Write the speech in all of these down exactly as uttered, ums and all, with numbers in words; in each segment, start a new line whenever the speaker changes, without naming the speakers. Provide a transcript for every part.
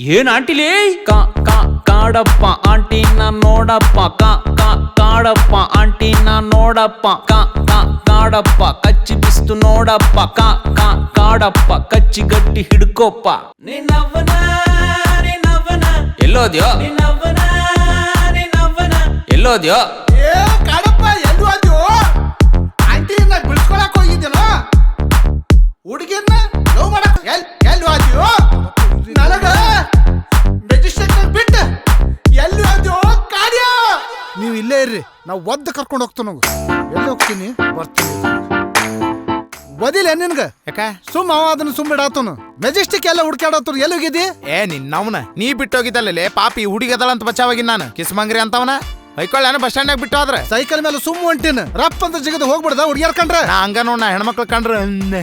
ಏನ್ ಆಂಟಿಲೇ ಕಾ ಕಾ ಕಾಡಪ್ಪ ಆಂಟಿನ ನೋಡಪ್ಪ ಕಾ ಕಾ ಕಾಡಪ್ಪ ಆಂಟಿನ ನೋಡಪ್ಪ ಕಾ ಕಾ ಕಾಡಪ್ಪ ಕಚ್ಚಿ ಬಿಸ್ತು ನೋಡಪ್ಪ ಕಾ ಕಾ ಕಾಡಪ್ಪ ಕಚ್ಚಿ ಗಟ್ಟಿ ಹಿಡ್ಕೋಪ್ಪ ನಿನ್ನವ್ವನ ನಿನ್ನವ್ವನ ಎಲ್ಲೋದ್ಯೋ ನಿನ್ನವ್ವನ ನಿನ್ನವ್ವನ ಎಲ್ಲೋದ್ಯೋ
ಏ ಕಾಡಪ್ಪ ಎಲ್ಲೂ ಅದ್ಯೋ ಆಂಟಿನ ಬಿಡ್ಸ್ಕೊಳಕ್ ಹೋಗಿದ್ದೇನೋ ಹುಡುಗಿಯನ್ನ ಲವ್ ಮಾಡಕ್ ಎಲ್ ಎಲ್ಲೂ ಅದ್ಯೋ ನನಗ ಮೆಜಿಸ್ಟ್ರೇಟ್ ಬಿಟ್ಟು ಎಲ್ಲೂ ಅದ್ಯೋ ಕಾರ್ಯ ನೀವು ಇಲ್ಲೇ ಇರ್ರಿ ನಾವು ಒದ್ದು ಕರ್ಕೊಂಡು ಹೋಗ್ತೀವಿ ನಾವು ಎಲ್ಲಿ ಹೋಗ್ತೀನಿ ಬರ್ತೀನಿ ಬದಿಲ್ಲ ನಿನ್ಗ
ಯಾಕ
ಸುಮ್ಮ ಅವ ಅದನ್ನ ಸುಮ್ಮ ಇಡಾತನು ಮೆಜೆಸ್ಟಿಕ್ ಎಲ್ಲ ಹುಡ್ಕಾಡತ್ತರು ಎಲ್ಲಿ ಹೋಗಿದ್ದಿ
ಏ ನಿನ್ನವನ ನೀ ಬಿಟ್ಟೋಗಿದ್ದಲ್ಲೇ ಪಾಪಿ ಹುಡುಗದಳ ಅಂತ ಬಚಾವಾಗಿನ ನಾನು ಕಿಸ್ಮಂಗ್ರಿ ಅಂತವನ ಹೊಯ್ಕೊಳ್ಳ ಬಸ್ ಸ್ಟ್ಯಾಂಡ್ ಬಿಟ್ಟು ಹೋದ್ರೆ
ಸೈಕಲ್ ಮೇಲೆ ಸುಮ್ಮ ಹೊಂಟಿನ ರಪ್ಪ ಅಂತ ಜಿಗದ ಹೋಗ್ಬಿಡ್ದ ಹುಡುಗಿಯರ್ ಕಂಡ್ರೆ
ನಾ ಹಂಗ ನೋಡ್ ನಾ ಹೆಣ್ಮಕ್ಳು ಕಂಡ್ರ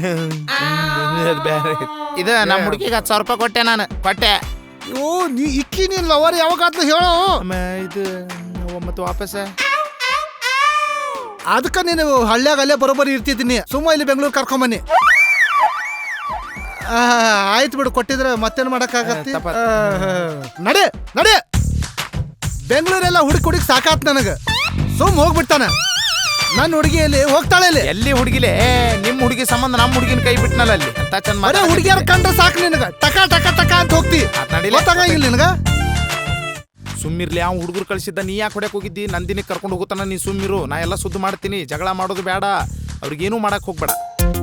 ಬೇರೆ ಇದ ನಮ್ಮ ಹುಡುಗಿಗೆ ಹತ್ತು ಸಾವಿರ ರೂಪಾಯಿ ಕೊಟ್ಟೆ ನಾನು ಕೊಟ್ಟೆ
ಓ ನೀ ಇಕ್ಕಿ ನೀನ್ ಲವರ್ ಯಾವಾಗ ಆತ್ಲ ಹೇಳೋ
ಇದು ಮತ್ತೆ ವಾಪಸ್
ಅದಕ್ಕ ನೀನು ಹಳ್ಳ್ಯಾಗ ಅಲ್ಲೇ ಬರೋಬ್ಬರಿ ಇರ್ತಿದ್ದೀನಿ ಸುಮ್ಮ ಇಲ್ಲಿ ಬೆಂಗಳೂರು ಕರ್ಕೊಂಬನ್ನಿ ಆಯ್ತು ಬಿಡು ಕೊಟ್ಟಿದ್ರೆ ಮತ್ತೇನ್ ಮಾಡಕ್ಕಾಗತ್ತೆ ನಡೆ ನಡೆ ಬೆಂಗಳೂರೆಲ್ಲ ಹುಡುಕಿ ಹುಡುಕಿ ಸಾಕಾತ್ ನನಗ ಸುಮ್ ಹೋಗ್ಬಿಡ್ತಾನ ನನ್ನ ಹುಡುಗಿಯಲ್ಲಿ ಹೋಗ್ತಾಳೆ ಇಲ್ಲಿ
ಎಲ್ಲಿ ಹುಡುಗಿಲೆ ನಿಮ್ ಹುಡುಗಿ ಸಂಬಂಧ ನಮ್ಮ ಹುಡುಗಿನ ಕೈ ಬಿಟ್ನಲ್ಲ ಅಲ್ಲಿ ಅಂತ ಚಂದ
ಮರೆ ಹುಡುಗಿಯರ್ ಕಂಡ್ರೆ ಸಾಕು ನಿನಗ ಟಕ ಟಕ ಟಕ ಅಂತ ಹೋಗ್ತಿ ಗೊತ್ತಾಗಂಗಿಲ್ಲ ನಿನಗ
ಸುಮ್ಮಿರ್ಲಿ ಅವ್ನು ಹುಡುಗರು ಕಳಿಸಿದ್ದ ನೀ ಯಾಕೆ ಹೊಡ್ಯಕ್ ಹೋಗಿದ್ದಿ ನಂದಿನಿ ಕರ್ಕೊಂಡು ಹೋಗುತ್ತಾನ ನೀ ಸುಮ್ಮಿರು ನಾ ಎಲ್ಲ ಸುದ್ದು ಮಾಡ್ತೀನಿ ಜಗಳ ಮಾಡೋದು ಬೇಡ ಅವ್ರಿಗೇನು ಮಾಡಕ್ ಹೋಗ್ಬೇಡ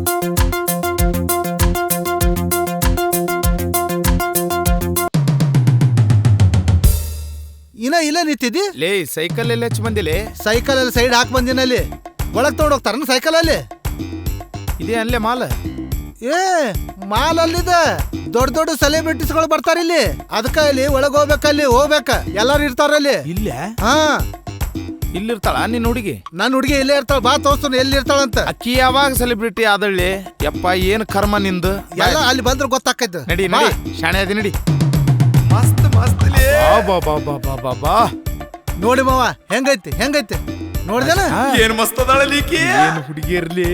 ಇನ್ನ ಇಲ್ಲ ನಿಂತಿದ್ದಿ
ಲೇ ಸೈಕಲ್ ಎಲ್ಲ ಹೆಚ್ಚು ಬಂದಿಲೆ
ಸೈಕಲ್ ಅಲ್ಲಿ ಸೈಡ್ ಹಾಕ್ ಬಂದಿನಲ್ಲಿ ಒಳಗ್ ತಗೊಂಡ್ ಹೋಗ್ತಾರ ಸೈಕಲ್ ಅಲ್ಲಿ
ಇದೇ ಅನ್ಲೇ ಮಾಲ್
ಏ ಮಾಲ್ ಅಲ್ಲಿದೆ ದೊಡ್ಡ ದೊಡ್ಡ ಸೆಲೆಬ್ರಿಟೀಸ್ಗಳು ಬರ್ತಾರ ಇಲ್ಲಿ ಅದಕ್ಕ ಇಲ್ಲಿ ಒಳಗ್ ಹೋಗ್ಬೇಕಲ್ಲಿ ಹೋಗ್ಬೇಕ ಎಲ್ಲಾರು ಇರ್ತಾರಲ್ಲಿ
ಇಲ್ಲ
ಹಾ
ಇಲ್ಲಿರ್ತಾಳ ನಿನ್ನ ಹುಡುಗಿ
ನನ್ ಹುಡುಗಿ ಇಲ್ಲೇ ಇರ್ತಾಳ ಬಾ ತೋರ್ಸ್ತಾನ ಎಲ್ಲಿ ಇರ್ತಾಳಂತ
ಅಕ್ಕಿ ಯಾವಾಗ ಸೆಲೆಬ್ರಿಟಿ ಆದಳ್ಳಿ ಯಪ್ಪ ಏನ್ ಕರ್ಮ ನಿಂದು
ಎಲ್ಲ ಅಲ್ಲಿ ಬಂದ್ರೆ ಗೊತ್ತಾಕೈತೆ
ನಡಿ ನಡಿ ಶಾಣೆ ಅದಿ ನಡಿ ಮಸ್ತ್ ಮಸ್ತ್ ಬಾ ಬಾ ಬಾ ಬಾ ಬಾ ಬಾ
ನೋಡಿ ಮಾವ ಹೆಂಗೈತಿ ಹೆಂಗೈತಿ ನೋಡ್ದೇನ
ಏನ್ ಮಸ್ತ್ ಅದಾಳಲಿಕ್ಕೆ ಏನ್ ಹುಡುಗಿ ಇರ್ಲಿ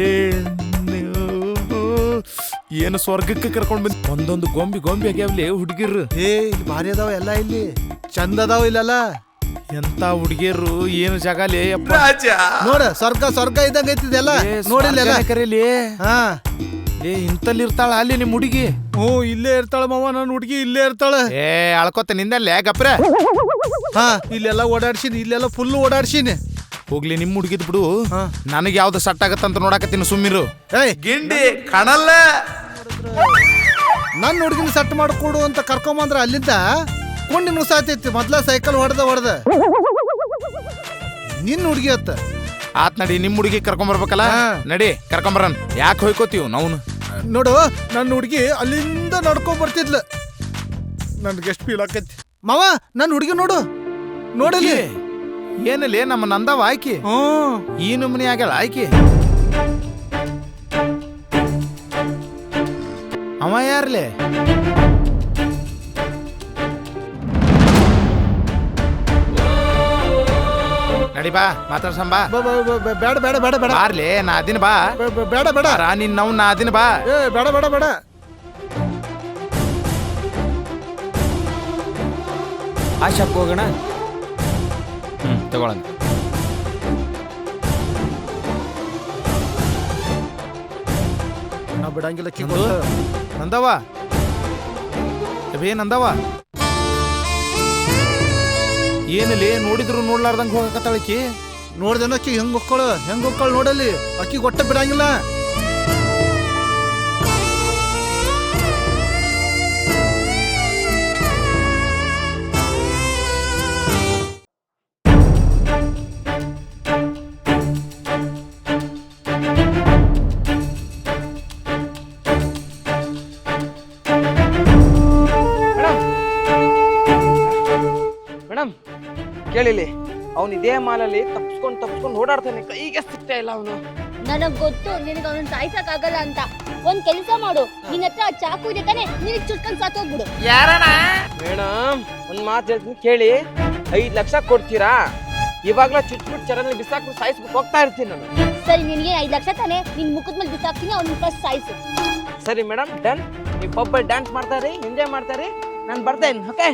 ಏನು ಸ್ವರ್ಗಕ್ಕೆ ಕರ್ಕೊಂಡ್ ಬಂದ್ ಒಂದೊಂದು ಗೊಂಬಿ ಗೊಂಬಿ ಆಗ್ಯಾವ್ಲಿ ಹುಡುಗಿರು
ಏ ಇಲ್ಲಿ ಭಾರಿ ಅದಾವ ಎಲ್ಲ ಇಲ್ಲಿ ಚಂದ ಅದಾವ ಇಲ್ಲೆಲ್ಲ
ಎಂತ ಹುಡುಗಿಯರು ಏನು ಜಗಾಲಿ
ನೋಡ ಸ್ವರ್ಗ ಸ್ವರ್ಗ ಇದ್ದಂಗ ಐತಿದೆಲ್ಲ ನೋಡಿಲ್ಲ
ಕರೀಲಿ
ಹಾ
ಏ ಇಂತಲ್ಲಿ ಇರ್ತಾಳ ಅಲ್ಲಿ ನಿಮ್ ಹುಡುಗಿ
ಹ್ಞೂ ಇಲ್ಲೇ ಇರ್ತಾಳ ಮಾವ ನನ್ನ ಹುಡುಗಿ ಇಲ್ಲೇ ಇರ್ತಾಳ
ಏ ಅಳ್ಕೊತ ನಿಂದಲ್ಲೇ ಗಪ್ರ
ಹಾ ಇಲ್ಲೆಲ್ಲ ಓಡಾಡ್ಸಿನಿ ಇಲ್ಲೆಲ್ಲ ಫುಲ್ ಓಡಾಡ್ಸಿನಿ
ಹೋಗ್ಲಿ ನಿಮ್ ಹುಡುಗಿದ್ ಬಿಡು ನನಗೆ ಯಾವ್ದು ಸಟ್ ಆಗತ್ತಂತ ನೋಡಕತ್ತೀನಿ ಸುಮ್ಮಿರು
ಏಯ್
ಗಿಂಡಿ ಕಾಣಲ್ಲ
ನನ್ನ ಹುಡುಗಿನ ಸಟ್ ಮಾಡ್ಕೊಡು ಅಂತ ಕರ್ಕೊಂಬಂದ್ರ ಅಲ್ಲಿಂದ ಕೊಂಡಿ ನುಸಾತೈತಿ ಮೊದ್ಲ ಸೈಕಲ್ ಹೊಡೆದ ಹೊಡೆದ ನಿನ್ನ ಹುಡುಗಿ ಅತ್ತ
ಆತ್ ನಡಿ ನಿಮ್ ಹುಡುಗಿ ಕರ್ಕೊಂಬರ್ಬೇಕಲ್ಲ ನಡಿ ಕರ್ಕೊಂಬರನ್ ಯಾಕೆ ಹೋಯ್ಕೋತೀವ್ ನಾವು
ನೋಡು ನನ್ನ ಹುಡುಗಿ ಅಲ್ಲಿಂದ ನಡ್ಕೊಂಡ್ ಬರ್ತಿದ್ಲ ನನ್ಗೆ ಎಷ್ಟು ಫೀಲ್ ಆಕೈತಿ ಮಾವ ನನ್ನ ಹುಡುಗಿ ನೋಡು ನೋಡಲಿ
ಏನಲ್ಲಿ ನಮ್ಮ ನಂದವ ಆಯ್ಕೆ
ಹ್ಮ್
ಈ ನಮೂನಿ ಆಗ್ಯಾಳ ಆಯ್ಕೆ ಅವ ಯಾರ್ಲೆ ನಡಿ ಬಾ ಮಾತಾಡ್ಸಂಬಾ
ಬೇಡ ಬೇಡ ಬೇಡ ಬೇಡ
ಬಾರ್ಲೆ ನಾ ಅದಿನ ಬಾ
ಬೇಡ ಬೇಡ
ರಾ ನಿನ್ ನಾವು ನಾ ಅದಿನ ಬಾ
ಏ ಬೇಡ ಬೇಡ ಬೇಡ
ಆ ಶಾಪ್ ಹೋಗೋಣ ಹ್ಮ್ ತಗೊಳ್ಳೋಣ
ನಾ ಬಿಡಂಗಿಲ್ಲ ಕಿ
ನಂದವ ಬೇ ನಂದವ ಏನಲ್ಲಿ ನೋಡಿದ್ರು ನೋಡ್ಲಾರ್ದಂಗ ಹೋಗಕತ್ತಾಳಕಿ
ನೋಡ್ದೇನ ಅಕ್ಕಿ ಹೆಂಗ್ ಹೊಕ್ಕಳು ಹೆಂಗ್ ಹೊಕ್ಕಳು ನೋಡಲಿ ಅಕ್ಕಿ ಗೊಟ್ಟ ಬಿಡಂಗಿಲ್ಲ
ಮೇಡಮ್ ಕೇಳಿಲಿ ಅವನು ಇದೇ ಮಾಲಲ್ಲಿ ತಪ್ಸ್ಕೊಂಡು ತಪ್ಸ್ಕೊಂಡು ಓಡಾಡ್ತಾನೆ ಕೈಗೆ ಸಿಗ್ತಾ ಇಲ್ಲ ಅವನು
ನನಗ್ ಗೊತ್ತು ನಿನಗೆ ಅವನ ಸಾಯ್ಸಕ್ ಆಗಲ್ಲ ಅಂತ ಒಂದ್ ಕೆಲಸ ಮಾಡು ನಿನ್ನ ಹತ್ರ ಚಾಕು ಇದೆ ತಾನೆ ನಿನಗ್ ಚುಟ್ಕೊಂಡ್ ಸಾಕೋಗ್ಬಿಡು
ಮೇಡಮ್ ಒಂದ್ ಮಾತು ಹೇಳ್ತೀನಿ ಕೇಳಿ ಐದ್ ಲಕ್ಷ ಕೊಡ್ತೀರಾ ಇವಾಗ್ಲೂ ಚುಟ್ಬಿಟ್ಟು ಚರನಲ್ಲಿ ಬಿಸಾಕ್ಬಿಟ್ಟು ಸಾಯಿಸ್ಬಿಟ್ಟು ಹೋಗ್ತಾ ಇರ್ತೀನಿ ನಾನು
ಸರಿ ನಿನಗೆ ಐದ್ ಲಕ್ಷ ತಾನೆ ನಿನ್ ಮುಖದ ಮೇಲೆ ಬಿಸಾಕ್ತೀನಿ ಅವ್ನ ಫಸ್ಟ್ ಸಾಯ್ಸು
ಸರಿ ಮೇಡಮ್ ಡನ್ ನೀವು ಪಬ್ಬಲ್ಲಿ ಡ್ಯಾನ್ಸ್ ಮಾಡ್ತಾರಿ ಎಂಜಾಯ್ ಮಾಡ್ತಾರಿ ನಾನು ಬರ್ತೇನೆ ಓಕೆ.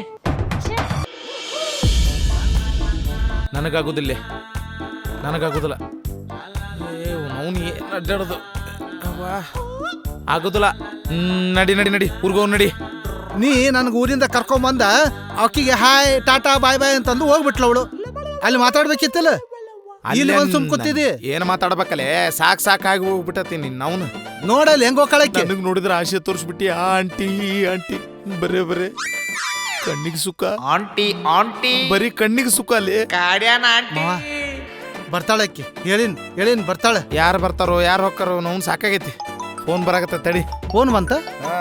ನನಗಾಗೋದಿಲ್ಲ ನನಗಾಗೋದಿಲ್ಲ ಏ ಅವನು ಏನು ಅಡ್ಡಾಡೋದು ಅವ್ವಾ ಆಗೋದಿಲ್ಲ. ಹ್ಮ್ ನಡಿ ನಡಿ ನಡಿ ಊರ್ಗೋ ನಡಿ.
ನೀ ನನಗೆ ಊರಿಂದ ಕರ್ಕೊಂಬಂದ ಆಕಿಗೆ ಹಾಯ್ ಟಾಟಾ ಬಾಯ್ ಬಾಯ್ ಅಂತಂದು ಹೋಗ್ಬಿಟ್ಲ ಅವಳು. ಅಲ್ಲಿ ಮಾತಾಡ್ಬೇಕಿತ್ತಲ್ಲ, ಇಲ್ಲಿ ಬಂದು ಸುಮ್ ಕೂತಿದಿ.
ಏನು ಮಾತಾಡ್ಬೇಕಲ್ಲೇ ಸಾಕ್ ಸಾಕಾಗಿ ಹೋಗ್ಬಿಟ್ಟತಿ ನಿನ್ನ ಅವನು.
ನೋಡಲ್ಲಿ ಹೆಂಗ್ ಹೋಗ್ಕಳಕ್ಕೆ.
ನನಗೆ ನೋಡಿದ್ರೆ ಆಸೆ ತೋರಿಸ್ಬಿಟ್ಟಿ ಆ ಆಂಟಿ ಈ ಆಂಟಿ ಬರೇ ಬರೇ ಕಣ್ಣಿಗೆ ಸುಖ
ಆಂಟಿ ಆಂಟಿ
ಬರೀ ಕಣ್ಣಿಗೆ ಸುಖ ಅಲ್ಲಿ.
ಕಾಡ್ಯಾನ ಆಂಟಿ
ಮಾವ ಬರ್ತಾಳಕ್ಕಿ, ಹೇಳಿನ್ ಹೇಳಿನ್ ಬರ್ತಾಳೆ.
ಯಾರು ಬರ್ತಾರೋ ಯಾರು ಹೋಗ್ತಾರೋ ನಾವು ಸಾಕಾಗೈತಿ. ಫೋನ್ ಬರಾಕತ್ತ ತಡಿ.
ಫೋನ್ ಬಂತ?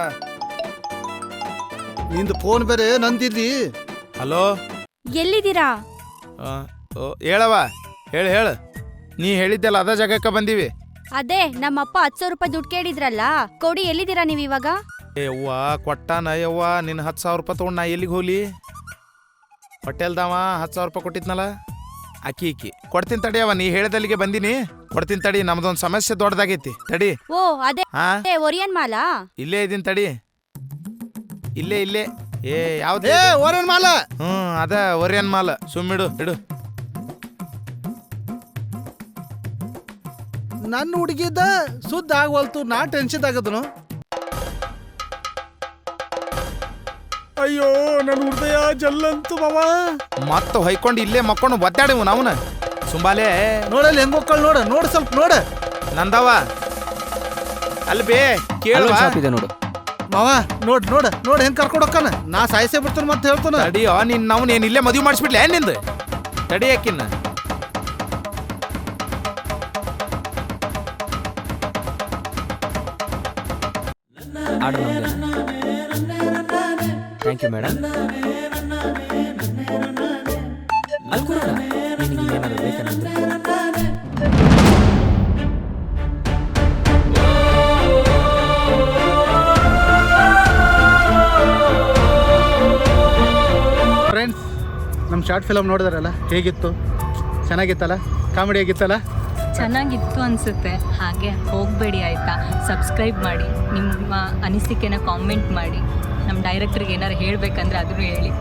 ನಿಂದು ಫೋನ್ ಬೇರೆ ನಂದಿದ್ದಿ.
ಹಲೋ
ಎಲ್ಲಿದ್ದೀರಾ?
ಹೇಳವ ಹೇಳು ಹೇಳು. ನೀ ಹೇಳಿದ್ದೆಲ್ಲ ಅದ ಜಾಗಕ್ಕೆ ಬಂದೀವಿ.
ಅದೇ ನಮ್ಮಪ್ಪ ಹತ್ತು ಸಾವಿರ ರೂಪಾಯಿ ದುಡ್ಡು ಕೇಳಿದ್ರಲ್ಲ, ಕೊಡಿ. ಎಲ್ಲಿದ್ದೀರಾ ನೀವು ಇವಾಗ?
ಏ ಯವ್ವ ಕೊಟ್ಟಾನ ಯವ್ವ ನಿನ್ನ ಹತ್ತು ಸಾವಿರ ರೂಪಾಯಿ ತೊಗೊಂಡು ನಾ ಎಲ್ಲಿಗೆ ಹೋಗ್ಲಿ? ಹೋಟೆಲ್ದವ ಹತ್ತು ಸಾವಿರ ರೂಪಾಯಿ ಕೊಟ್ಟಿದ್ನಲ್ಲ ಅಕ್ಕಿ ಇಕ್ಕಿ ಕೊಡ್ತೀನಿ ತಡಿಯವ. ನೀ ಹೇಳಿದಲ್ಲಿಗೆ ಬಂದೀನಿ, ಕೊಡ್ತೀನಿ ತಡಿ. ನಮ್ದೊಂದು ಸಮಸ್ಯೆ ದೊಡ್ಡದಾಗೈತಿ ತಡಿ.
ಓ ಅದೇ
ಹಾ
ಒರಿಯನ್ ಮಾಲಾ?
ಇಲ್ಲೇ ಇದೀನಿ ತಡಿ. ಇಲ್ಲೇ ಇಲ್ಲೇ. ಏ ಯಾವ್ದು?
ಏ ಓರೇನ್ ಮಾಲ.
ಹ್ಮ್ ಅದ ಒರಿಯನ್ ಮಾಲ್. ಸುಮ್ಮಿಡು ಇಡು.
ನನ್ನ ಹುಡುಗಿದ್ದ ಸುದ್ದ ಆಗವಲ್ತು, ನಾ ಟೆನ್ಷನ್ ಆಗದನು. ಅಯ್ಯೋ ನನ್ನ ಹೃದಯ ಜಲ್ಲಂತು ಮಾವ.
ಮತ್ತ ಹೊಯ್ಕೊಂಡು ಇಲ್ಲೇ ಮಕ್ಕೊಂಡು ಒದ್ದಾಡಿವು ನಾವುನ ಸುಂಬಾಲೆ.
ನೋಡಲ್ಲಿ ಹೆಂಗ್ ಹೋಗ್ಕಳ್ ನೋಡ ನೋಡ ಸ್ವಲ್ಪ ನೋಡ.
ನಂದವ ಅಲ್ಲಿ ಬೇ ಕೇಳುವ
ನೋಡು
ಮಾವ ನೋಡ್ ನೋಡ ನೋಡ ಹೆಂಗ್ ಕರ್ಕೊಂಡು ಹೋಗ್ಕನ. ನಾ ಸಾಯಿಸೇ ಬಿಡ್ತಾನ ಮತ್ತೆ ಹೇಳ್ತಾನ.
ತಡಿಯೋ ನಿನ್ ನಾವು ಏನ್ ಇಲ್ಲೇ ಮದುವೆ ಮಾಡಿಸ್ಬಿಡ್ಲೆ ನಿಂದು. ತಡಿಯಾಕಿನ್ನ
ಆರ್ಡರ್ ಥ್ಯಾಂಕ್ ಯು ಮೇಡಮ್. ಅಲ್ಲಿ ಕೂರೋಣ. ನಿನಗೆ ಏನಾದರೂ ಬೇಕಾ ನಮ್ಗೆ?
ಫ್ರೆಂಡ್ಸ್, ನಮ್ಮ ಶಾರ್ಟ್ ಫಿಲಮ್ ನೋಡಿದಾರಲ್ಲ, ಹೇಗಿತ್ತು? ಚೆನ್ನಾಗಿತ್ತಲ್ಲ? ಕಾಮಿಡಿ ಆಗಿತ್ತಲ್ಲ?
ಚೆನ್ನಾಗಿತ್ತು ಅನಿಸುತ್ತೆ. ಹಾಗೆ ಹೋಗಬೇಡಿ ಆಯಿತಾ, ಸಬ್ಸ್ಕ್ರೈಬ್ ಮಾಡಿ, ನಿಮ್ಮ ಅನಿಸಿಕೆನ ಕಾಮೆಂಟ್ ಮಾಡಿ. ನಮ್ಮ ಡೈರೆಕ್ಟ್ರಿಗೆ ಏನಾರು ಹೇಳಬೇಕಂದ್ರೆ ಅದನ್ನು ಹೇಳಿ.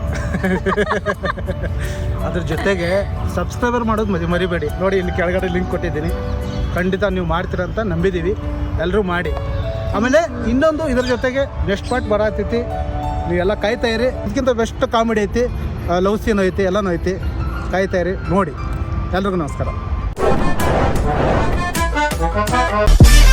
ಅದ್ರ ಜೊತೆಗೆ ಸಬ್ಸ್ಕ್ರೈಬರ್ ಮಾಡೋದು ಮರಿ ಮರಿಬೇಡಿ. ನೋಡಿ ಇಲ್ಲಿ ಕೆಳಗಡೆ ಲಿಂಕ್ ಕೊಟ್ಟಿದ್ದೀನಿ, ಖಂಡಿತ ನೀವು ಮಾಡ್ತೀರಂತ ನಂಬಿದ್ದೀವಿ. ಎಲ್ಲರೂ ಮಾಡಿ. ಆಮೇಲೆ ಇನ್ನೊಂದು ಇದ್ರ ಜೊತೆಗೆ ನೆಕ್ಸ್ಟ್ ಪಾರ್ಟ್ ಬರತೈತಿ, ನೀವೆಲ್ಲ ಕಾಯ್ತಾ ಇರಿ. ಇದಕ್ಕಿಂತ ಬೆಸ್ಟ್ ಕಾಮಿಡಿ ಐತಿ, ಲವ್ ಸೀನ್ ಐತಿ, ಎಲ್ಲನೂ ಐತಿ. ಕಾಯ್ತಾ ಇರಿ, ನೋಡಿ. ಎಲ್ರಿಗೂ ನಮಸ್ಕಾರ.